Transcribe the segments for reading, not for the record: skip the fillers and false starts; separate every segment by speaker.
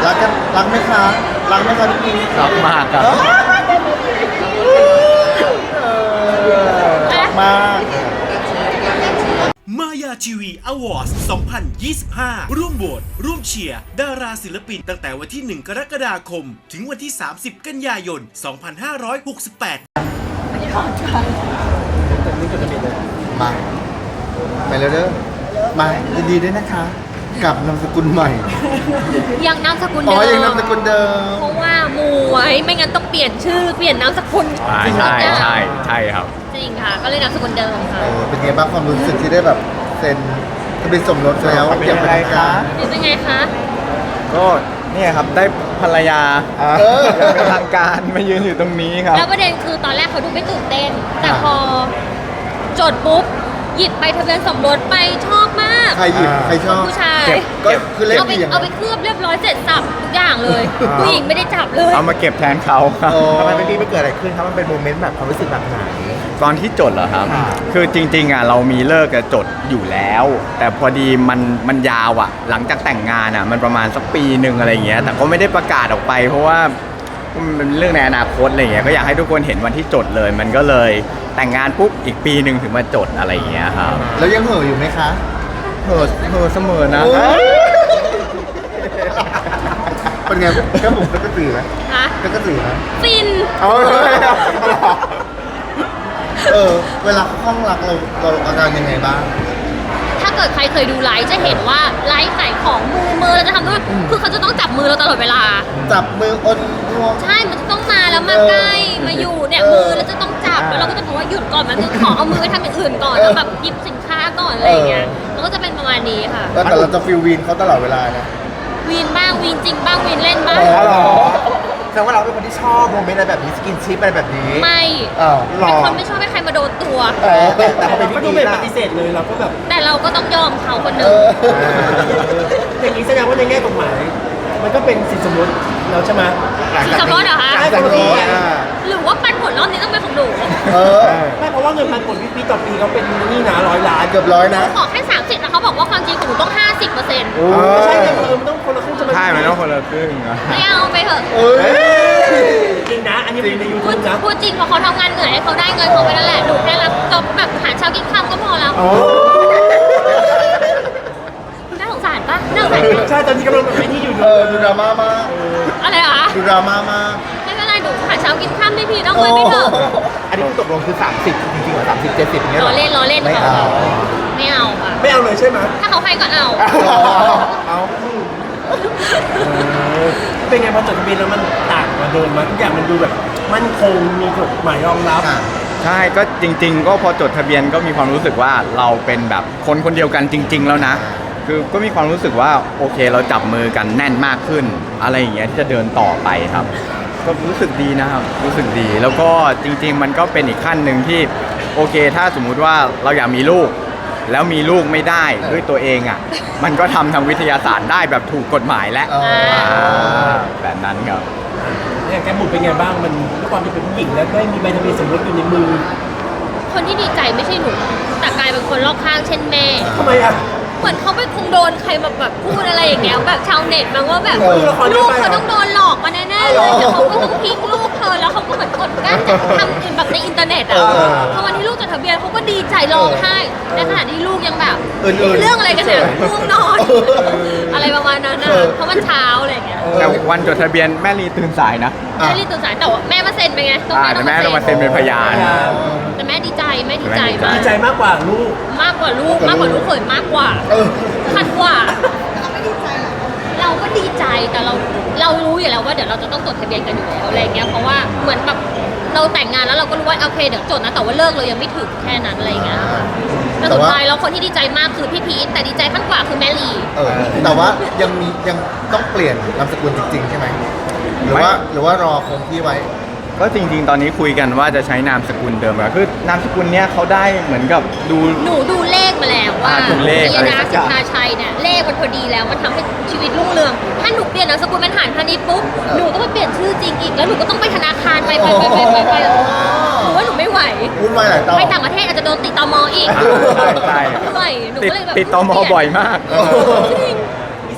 Speaker 1: รักกันรักไหมคะรักไหมคะพี่พี
Speaker 2: รักมากครับ
Speaker 1: รักมาก
Speaker 3: มายาทีวีอวอร์ด2025 ร่วมโหวตร่วมเชียร์ดาราศิลปินตั้งแต่วันที่ 1 กรกฎาคม ถึงวันที่ 30 กันยายน 2568
Speaker 1: มาไปเร็วเด้อมายินดีด้วยนะคะ กับนามสกุลใหม่
Speaker 4: ยังนามสกุล
Speaker 1: อ๋
Speaker 4: เดิ
Speaker 1: อ
Speaker 4: ม
Speaker 1: ยังนามสกุลเดิม
Speaker 4: เพราะว่ามูไว้ไม่งั้นต้องเปลี่ยนชื่อเปลี่ยนนามสกุล
Speaker 2: ใช่ครับ
Speaker 4: จริงค่ะ ก็เลยนามสกุลเดิมค่ะ
Speaker 1: เป็นไงบ้างความรู้สึกที่ได้แบบเซ็นทะเบียนสมรสแล้วอย่างเป็นทางการ
Speaker 4: เป็นไงคะ
Speaker 2: ก็เนี่ยครับได้ภรรยา
Speaker 1: เออ
Speaker 2: เป็นทางการมายืนอยู่ตรงนี้ครับ
Speaker 4: แล้วประเด็นคือตอนแรกเขาดูไม่ตื่นเต้น แต่
Speaker 1: อ่า
Speaker 4: พอจดปุ๊บหยิบไปทะเบียนสมรสไปชอบมาก
Speaker 1: ใครหยิบใครชอบ
Speaker 4: ผู้ชาย
Speaker 2: เก็บ
Speaker 1: ก็คือเล่น
Speaker 4: เอาไป
Speaker 1: ดีอย่าง
Speaker 4: เอาไปเคลือบเรียบร้อยเสร็จสับทุกอย่างเลย
Speaker 2: อ่า
Speaker 4: ผู้หญิงไม่ได้จับเลย
Speaker 2: เอามาเก็บแทนเขาครับ
Speaker 1: โอ้
Speaker 5: ทำไมเป็นพี่ไม่เกิดอะไรขึ้นครับมันเป็นโมเมนต์แบบความรู้สึกแบบไหน
Speaker 2: ตอนที่จดเหรอครับ
Speaker 5: ค่ะ
Speaker 2: คือจริงๆอ่ะเรามีเลิกจะจดอยู่แล้ว แต่พอดีมันยาวอ่ะ หลังจากแต่งงานอ่ะมันประมาณสักปีหนึ่งอะไรอย่างเงี้ย แต่ก็ไม่ได้ประกาศออกไป เพราะว่ามันเป็นเรื่องในอนาคตอะไรอย่างเงี้ย ก็อยากให้ทุกคนเห็นวันที่จดเลย มันก็เลยแต่งงานปุ๊บอีกปีหนึ่งถึงมาจดอะไรอย่างเงี้ยครับ
Speaker 1: แล้วยังเห่ออยู่ไหมคะ
Speaker 2: เห่อเสมอนะ
Speaker 1: โอ้ยเป็นไงแค่ผมก็กระตือไหม
Speaker 4: ฮะ
Speaker 1: ก็กระตือไหม
Speaker 4: ฟิน
Speaker 1: เอาเวลาเขาคลั่งรักเราอาการยังไงบ้าง
Speaker 4: ถ้าเกิดใครเคยดูไลฟ์จะเห็นว่าไลฟ์ขายของมือเราจะทำด้วยคือเขาจะต้องจับมือเราตลอดเวลา
Speaker 1: จับมืออนรวม
Speaker 4: ใช่ มันจะต้องมาแล้วมาใกล้ มาอยู่เนี่ย
Speaker 1: เออ
Speaker 4: มือแล้วจะต้องจับ แล้วเราก็จะบอกว่าหยุดก่อนมันคือขอเอามือไปทำอย่างอื่นก่อน แล้วแบบหยิบสินค้าก่อนอะไรอย่างเงี้ยแล้วก็จะเป็นประมาณนี้ค่ะ
Speaker 1: แต่เราจะฟิลวีนเขาตลอดเวลานะ
Speaker 4: วีนบ้าง วีนจริงบ้าง วีนเล่นบ้าง
Speaker 1: อ๋อเหรอ
Speaker 5: แสดงว่าเราเป็นคนที่ชอบโมเมนต์อะไรแบบนี้สกินชิปอะไรแบบนี้
Speaker 4: ไม่
Speaker 1: อ้าว
Speaker 5: หร
Speaker 4: เป็น
Speaker 5: อ
Speaker 4: คนไม่ชอบให้ใครมาโดนตัว
Speaker 5: แต่พอเป็น
Speaker 6: ก็
Speaker 5: พี่
Speaker 6: ดู
Speaker 5: พี
Speaker 6: เป็น
Speaker 5: ล่ะ
Speaker 6: ปฏิเสธเลยเราก็แบบ
Speaker 4: แต่เราก็ต้องยอมเขาคนห
Speaker 1: เอ
Speaker 4: นึ่ง
Speaker 1: อ
Speaker 6: อย่างนี้แสดงว่าในแง่กฎหมาย มันก็เป็นสินสมรสแล้วใช่ไหม
Speaker 4: สินสมรสเหรอคะ
Speaker 5: หลังจากนี้อ่า
Speaker 4: หรือว่าปันผลรอบนี้ต้องเป็นของหนู
Speaker 1: เออ
Speaker 6: ไม่เพราะว่าเงินพันผลพี่ต่อปีเขาเป็นนี่นะ100 ล้าน
Speaker 1: เกือบร้อยนะ
Speaker 4: ขอแค่30แต่เขาบอกว่าความจริงของหนูต้อง 50%
Speaker 1: โอ้
Speaker 6: ไม่ใช่ไงมันต้องคนละครึ่งจะ
Speaker 2: ใช่มันต้องคนละครึ่งอะ
Speaker 4: ไม่เอาไปเถอะ
Speaker 1: เอ้ย
Speaker 6: จริงนะ อันนี้เป็นในยู
Speaker 4: พู
Speaker 6: ทู
Speaker 4: ด
Speaker 6: บนะ
Speaker 4: พูดจริงเพราะเขาทำงานเหนื่อยให้เขาได้เงินเขาไปนั่นแหละหนูแค่รับจบแบบหาเช้ากินค่ำก็พอแล้วน่าสงสารปะน่าสงสารปะ
Speaker 6: ใช่ตอนนี้กำลังแบบไม่ที่อยู่
Speaker 1: ดูดราม่ามาก
Speaker 4: อะไรเหรอคะ
Speaker 1: ดูดราม่ามาก
Speaker 4: ไม่เป็นไรหนูหาเช้ากินค่ำได้พี่ต้องเงินไม่เถอะ
Speaker 5: อันนี้คือตกลงคือ 30 จริงๆเหรอ30 70เงี้ย
Speaker 4: ล้
Speaker 5: เหร
Speaker 4: อ
Speaker 5: อ
Speaker 4: เล่นล้อเล่น
Speaker 1: ไม่
Speaker 4: ค่ะ
Speaker 1: เอา
Speaker 4: ไม่เอาค่ะ
Speaker 6: ไม่เอาเลยใช่ไหม
Speaker 4: ถ้าเขาให้ก็เอา
Speaker 5: เอา
Speaker 6: เป็นไงพอจดทะเบียนแล้วมันต่างกว่าเดิมมั้ยทุกอย่างมันดูแบบมั่นคงมีกฎหมายรองรับ
Speaker 1: ค่ะ
Speaker 2: ใช่ก็จริง ๆ ก็พอจดทะเบียนก็มีความรู้สึกว่าเราเป็นแบบคนคนเดียวกันจริง ๆ แล้วนะ คือก็มีความรู้สึกว่าโอเคเราจับมือกันแน่นมากขึ้น อะไรอย่างเงี้ยที่จะเดินต่อไปครับ ก็รู้สึกดีนะครับรู้สึกดี แล้วก็จริง ๆ มันก็เป็นอีกขั้นหนึ่งที่โอเค ถ้าสมมุติว่าเราอยากมีลูก แล้วมีลูกไม่ได้ด้วยตัวเองอ่ะ มันก็ทำทางวิทยาศาสตร์ได้แบบถูกกฎหมายแล้ว
Speaker 1: อ๋ออ่
Speaker 2: แบบนั้นครับ
Speaker 6: เนี่ยแกบุญเป็นไงบ้างมันด้วยความที่เป็นผู้หญิงแล้วได้มีใบทะเบียนสมรสอยู่ในมือ
Speaker 4: คนที่ดีใจไม่ใช่หนูแต่กลายเป็นคนรอบข้างเช่นแม่
Speaker 6: ทำไมอ่ะ
Speaker 4: เหมือนเขาไปคงโดนใครมาแบบพูดอะไรอย่างเงี้ยแบบชาวเน็ตมันว่าแบบ
Speaker 1: เออ
Speaker 4: ลูกเขาต้องโดนหลอกมาแน่ๆเลยเดี๋ยวเขาก็ต้องทิ้งลูกเธอแล้วเขาก็เหมือนกดกั้นจากทำอื่นแบบในอินเทอร์เน็ตอ่ะ
Speaker 1: เออ
Speaker 4: พอวันที่ลูกจดทะเบียนเขาก็ดีใจร้องไห้ในขณะที่ลูกยังแบบ
Speaker 1: เออ
Speaker 4: เรื่องอะไรกันเนี่ยง่วงนอน
Speaker 1: เออ
Speaker 4: อะไรประมาณนั้นนะ
Speaker 1: เออ
Speaker 4: เพราะมันเช้าอะไรอย่างเงี้ย
Speaker 2: แต่วันจดทะเบียนแม่ลีตื่นสายนะ
Speaker 4: แม่รีบตื่นสายแต่ว่าแม่มาเซ็นไปไงต้อง
Speaker 2: แต่แม่ต้องมาเซ็นเป็นพยาน
Speaker 4: แต่แม่ดีใจแม่ดีใจมาก
Speaker 6: ดีใจมากกว่าลูก
Speaker 4: มากกว่าลูกเขยมากกว่า
Speaker 1: เออ
Speaker 4: ขัดกว่า เราก็ดีใจแต่เรารู้อยู่แล้วว่าเดี๋ยวเราจะต้องจดทะเบียนกันอยู่แล้วอะไรเงี้ยเพราะว่าเหมือนแบบเราแต่งงานแล้วเราก็รู้ว่าโอเคเดี๋ยวจดนะแต่ว่าเลิกเรายังไม่ถึงแค่นั้นอะไรเงี้ยค่ะแต่สุดท้ายแล้วคนที่ดีใจมากคือพี่พีทแต่ดีใจขั้นกว่าคือแม่ลี
Speaker 1: แต่ว่ายังต้องเปลี่ยนนามสกุลจริง ๆ ใช่ไหมหรือว่ารอคงที่ไว้
Speaker 2: ก็จริง ๆ ตอนนี้คุยกันว่าจะใช้นามสกุลเดิมอะคือนามสกุลเนี้ยเขาได้เหมือนกับดู
Speaker 4: หนูดูเลขมาแล้วว่า
Speaker 2: ดูเลข
Speaker 4: ย
Speaker 2: อะไร
Speaker 4: ดา
Speaker 2: สักอ
Speaker 4: สิ
Speaker 2: ย่าง
Speaker 4: ทธาชัยเนี่ยเลขมันพอดีแล้วมันทำให้ชีวิตรุ่งเรืองถ้าหนูเปลี่ยนนามสกุลเป็นหานพาณิชย์ปุ๊บหนูต้องไปเปลี่ยนชื่อจริงอีกแล้วหนูก็ต้องไปธนาคารไปหนูว่าหนูไม่ไหว
Speaker 1: วุ่นวายหลายต่อ
Speaker 4: ไปต่างประเทศอาจจะโดนติดตมอีก
Speaker 2: ใช่
Speaker 4: เหนื่อยหนู
Speaker 2: ติด
Speaker 4: ก็เลยแบบ
Speaker 2: ติดตมบ่อยมาก
Speaker 4: จริง
Speaker 6: มี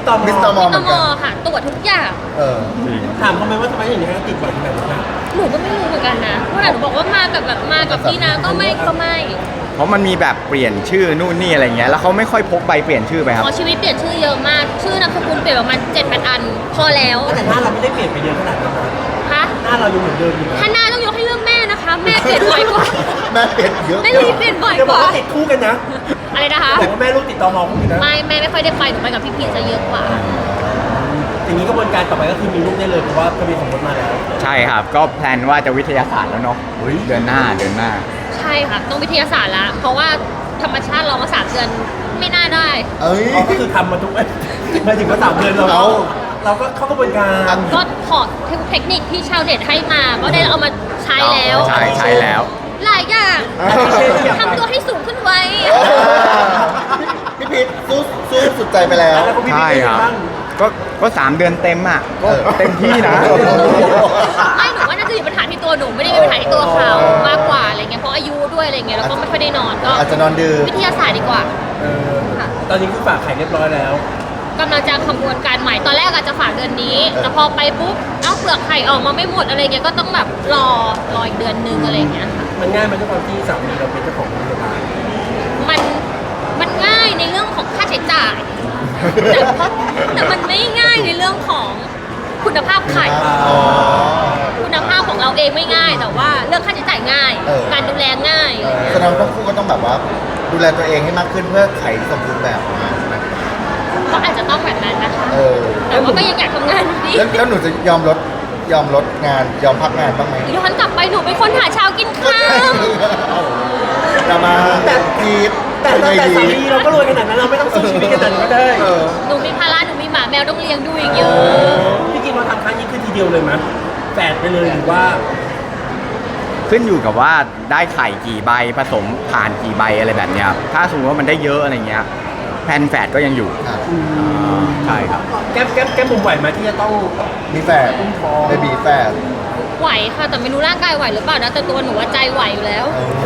Speaker 6: พี่ตอม
Speaker 1: มิสเตอร์มอ
Speaker 4: ต
Speaker 1: เหมือน
Speaker 4: ม
Speaker 1: กัน
Speaker 4: ค่ะ ตรวจทุกอย่าง
Speaker 1: เออ
Speaker 6: ถามเขาไหมว่าทำไมถึงให้ติดบ่อยขนาดนั้น
Speaker 4: หนูก็ไม่รู้เหมือนกันนะเพราะหนูบอกว่ามากับพี่นะก็ไม่
Speaker 2: เพราะมันมีแบบเปลี่ยนชื่อนู่นนี่อะไรเงี้ยแล้วเขาไม่ค่อยพกใบเปลี่ยนชื่อไปครับ
Speaker 4: พอชีวิตเปลี่ยนชื่อเยอะมาก ชื่อนามสกุลเปลี่ยนประมาณ7-8 อัน พอแล้ว
Speaker 6: แต่หน้าเราไม่ได้เปลี่ยนไปเยอะขนาดนั้นนะ
Speaker 4: คะ
Speaker 6: หน้าเรายังเหมือนเดิมอยู่นะ
Speaker 4: ถ้าหน้าต้องยกให้เรื่องแม่นะคะ แม่เปลี่ยนบ่อยกว่า
Speaker 1: แม่เปลี่ยนเยอะ
Speaker 4: แม่ลีเปลี่ยนบ่อย
Speaker 6: จะ
Speaker 4: ก
Speaker 6: บอก
Speaker 4: ว่า
Speaker 6: ว่าติดคู่กันนะ
Speaker 4: อะไรนะคะ
Speaker 6: บอกว่าแม่ลูกติดตอมอคู่กันนะ
Speaker 4: ไม่แม่ไม่ค่อยได้ไปหนูไปกับพี่พีชจะเยอะกว่า
Speaker 6: อย่างนี้กระบวนการต่อไปก็คือมีลูกได้เลยเพราะว่าทะเบียนสมรสมาแล้ว
Speaker 2: ใช่ครับ ก็แพลนว่าจะวิทยาศาสตร์แล้วเนาะเดือนหน้า
Speaker 4: ใช่ค่ะต้องวิทยาศาสตร์ละเพราะว่าธรรมชาติเรามา3 เดือนไม่น่าได้
Speaker 1: เอ้ย
Speaker 6: อ๋อก็คือทำมาทุกหมายถึงว่า3 เดือนเราก็เข้ากระบวนการ
Speaker 4: ก็ขอเทคนิคที่ชาวเน็ตให้มาก็ได้เอามาใช้แล้ว
Speaker 2: ใช้แล้ว
Speaker 4: หลายอย่างทำตัวให้สูงขึ้นไว้
Speaker 1: พี่พีทสู้สุดใจไปแล้ว
Speaker 6: แล้วก็พี่
Speaker 2: ใช่
Speaker 6: พี่
Speaker 2: ครับ
Speaker 6: บ้าง
Speaker 2: ก็3 เดือนเต็มอ่ะก็เต็มที่นะ
Speaker 4: ไม่หนูว่าน่าจะมีปัญหาที่ตัวหนูไม่ได้มีปัญหาที่ตัวเขามากกว่าอะไรเงี้ยเพราะอายุด้วยอะไรเงี้ยแล้วก็ไม่ค่อยได้นอนก็
Speaker 1: อาจจะนอนดึก
Speaker 4: วิทยาศาสตร์ดีกว่า ค่ะ
Speaker 6: ตอนนี้คือฝากไข่เรียบร้อยแล้ว
Speaker 4: กำลังจะขบวนการใหม่ตอนแรกอาจจะฝากเดือนนี้ แต่พอไปปุ๊บเอ้าเปลือกไข่ออกมาไม่หมดอะไรเงี้ยก็ต้องแบบรออีกเดือนนึงอะไรเงี้ยค่ะ
Speaker 6: มันง่ายมันด้วยความที่สามีเราเป็นเจ้าของโรงพยาบาล
Speaker 4: มันง่ายในเรื่องของค่าใช้จ่าย แต่มันไม่ง่ายในเรื่องของคุณภาพไข่
Speaker 1: อ๋อ
Speaker 4: คุณภาพของเราเองไม่ง่าย แต่ว่าเรื่องค่าใช้จ่ายง่าย
Speaker 1: เออ
Speaker 4: การดูแลง่ายอะไรเงี้ย
Speaker 1: แสดงว่าทั้งคู่ก็ต้องแบบว่า ดูแลตัวเองให้มากขึ้นเพื่อไขสมบูรณ์แบบออกมา
Speaker 4: ก็อาจจะต้องแบบนั้นนะคะ
Speaker 1: เออ
Speaker 4: แต่ว่าก็ยังอยากทำงานอยู่ดี
Speaker 1: แล้วหนูจะยอมลดงานยอมพักงานบ้างไหม
Speaker 4: ย้อนกลับไปหนูเป็นคนหาเช้ากินข้าว
Speaker 1: จะมาพีท
Speaker 6: แต่
Speaker 1: เป็นไง
Speaker 6: สา
Speaker 1: ดี
Speaker 6: มีเราก็รวยขนาดนั้นเราไม่ต้องสู้ชีวิตขนาดนั้นก็ได้
Speaker 1: เออ
Speaker 4: หนูมีภาระหนูมีหมาแมวต้องเลี้ยงดูอีกเยอะ
Speaker 6: พี่กินเราทำครั้งนี้คือทีเดียวเลยมั้ยแฝดไปเลยหรือว่า
Speaker 2: ขึ้นอยู่กับว่าได้ไข่กี่ใบผสมผ่านกี่ใบอะไรแบบเนี้ยครับถ้าสมมติว่ามันได้เยอะอะไรเงี้ยแพลนแฝดก็ยังอยู่
Speaker 1: อ่ะ
Speaker 2: ใช่ครับ
Speaker 6: แก้มมุมไหวไหมที่จะต้อง
Speaker 1: มีแฝดเบบีแฝด
Speaker 4: ไหวค่ะแต่ไม่รู้ร่างกายไหวหรือเปล่านะแต่ตัวหนูว่าใจไหวอยู่แล้ว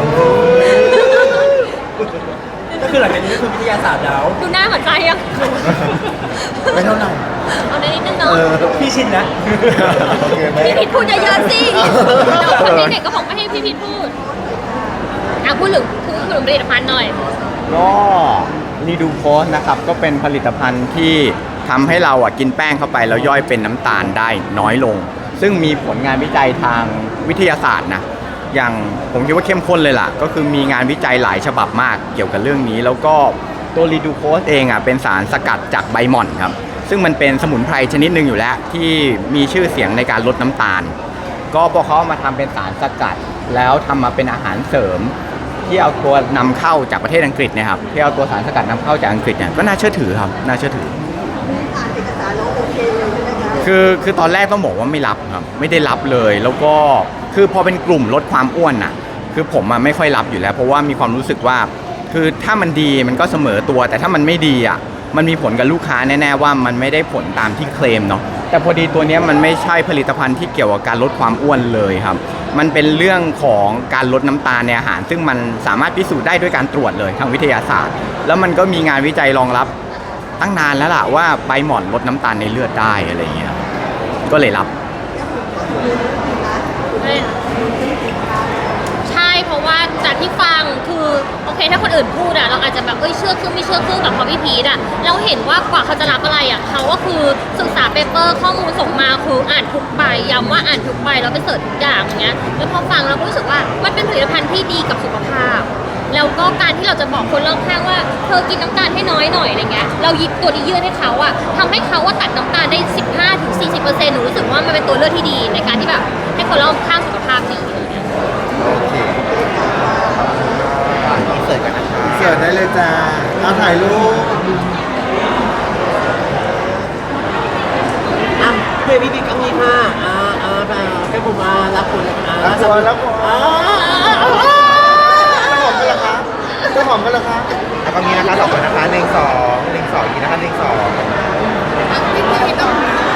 Speaker 6: ก็คือหลังจากนี้ก็คือวิทยาศาสตร์แล้ว
Speaker 4: ดูหน้าหัวใจยัง
Speaker 1: ไม่เท่าไหร่
Speaker 4: เอาได้นิดนึง
Speaker 1: เอ
Speaker 4: เนาะ
Speaker 1: อ
Speaker 6: พี่ชินนะ
Speaker 1: โอเคไหม
Speaker 4: พี่พิดพูดเยอะๆสิเดี๋ยวคนเด็กๆก็บอกไม่ให้พี่พิดพูดพูดถึงผลิตภัณฑ์หน่อย
Speaker 2: ก็รีดูโพสนะครับก็เป็นผลิตภัณฑ์ที่ทำให้เรากินแป้งเข้าไปแล้วย่อยเป็นน้ำตาลได้น้อยลง ซึ่งมีผลงานวิจัยทางวิทยาศาสตร์นะอย่างผมคิดว่าเข้มข้นเลยล่ะก็คือมีงานวิจัยหลายฉบับมากเกี่ยวกับเรื่องนี้ แล้วก็ตัวรีดูโพสเองเป็นสารสกัดจากใบหม่อนครับซึ่งมันเป็นสมุนไพรชนิดหนึ่งอยู่แล้วที่มีชื่อเสียงในการลดน้ำตาล ก็พอเขาเอามาทำเป็นสารสกัดแล้วทำมาเป็นอาหารเสริม ที่เอาตัวนำเข้าจากประเทศอังกฤษเนี่ยครับที่เอาตัวสารสกัดนำเข้าจากอังกฤษเนี่ยก็น่าเชื่อถือครับน่าเชื่อถือคือตอนแรกต้องบอกว่าไม่รับครับไม่ได้รับเลย แล้วก็คือพอเป็นกลุ่มลดความอ้วนน่ะคือผมไม่ค่อยรับอยู่แล้ว เพราะว่ามีความรู้สึกว่าคือถ้ามันดีมันก็เสมอตัว แต่ถ้ามันไม่ดีมันมีผลกับลูกค้าแน่ๆว่ามันไม่ได้ผลตามที่เคลมเนาะแต่พอดีตัวเนี้ยมันไม่ใช่ผลิตภัณฑ์ที่เกี่ยวกับการลดความอ้วนเลยครับมันเป็นเรื่องของการลดน้ำตาลในอาหาร ซึ่งมันสามารถพิสูจน์ได้ด้วยการตรวจเลยทางวิทยาศาสตร์ แล้วมันก็มีงานวิจัยรองรับตั้งนานแล้วล่ะว่าใบหม่อนลดน้ำตาลในเลือดได้อะไรอย่างเงี้ยก็เลยรับ
Speaker 4: ใช่เพราะว่าจากที่ฟังคือโอเคถ้าคนอื่นพูดเราอาจจะแบบเชื่อครึ่งไม่เชื่อครึ่งแบบพอพี่พีทเราเห็นว่ากว่าเขาจะรับอะไรเขาก็คือศึกษาเปเปอร์ข้อมูลส่งมาคืออ่านทุกใบย้ำว่าอ่านทุกใบแล้วไปเสิร์ชทุกอย่างอย่างเงี้ยแล้วพอฟังเราก็รู้สึกว่ามันเป็นผลิตภัณฑ์ที่ดีกับสุขภาพแล้วก็การที่เราจะบอกคนรอบข้างว่าเธอกินน้ำตาลให้น้อยหน่อยอะไรเงี้ยเราหยิบตัวนี้ยื่นให้เขาทำให้เขาตัดน้ำตาลได้ 15-40% หนูรู้สึกว่ามันเป็นตัวเลือกที่ดีในการที่แบบให้คนรอบข้างสุขภาพดี
Speaker 1: โอเคเสิร์ฟกันนะคะเสิร์ฟได้เลยจ้าเอาถ่ายรูป
Speaker 6: เบบี้บิ๊กเอางี้ค่ะแก้มมุมรับคน
Speaker 1: รับตัวรับตัวจะหอมกันเหรอคะแล้วก็นี้นะคะสองคนนะคะ1 2 1 2นี้นะคะ1 2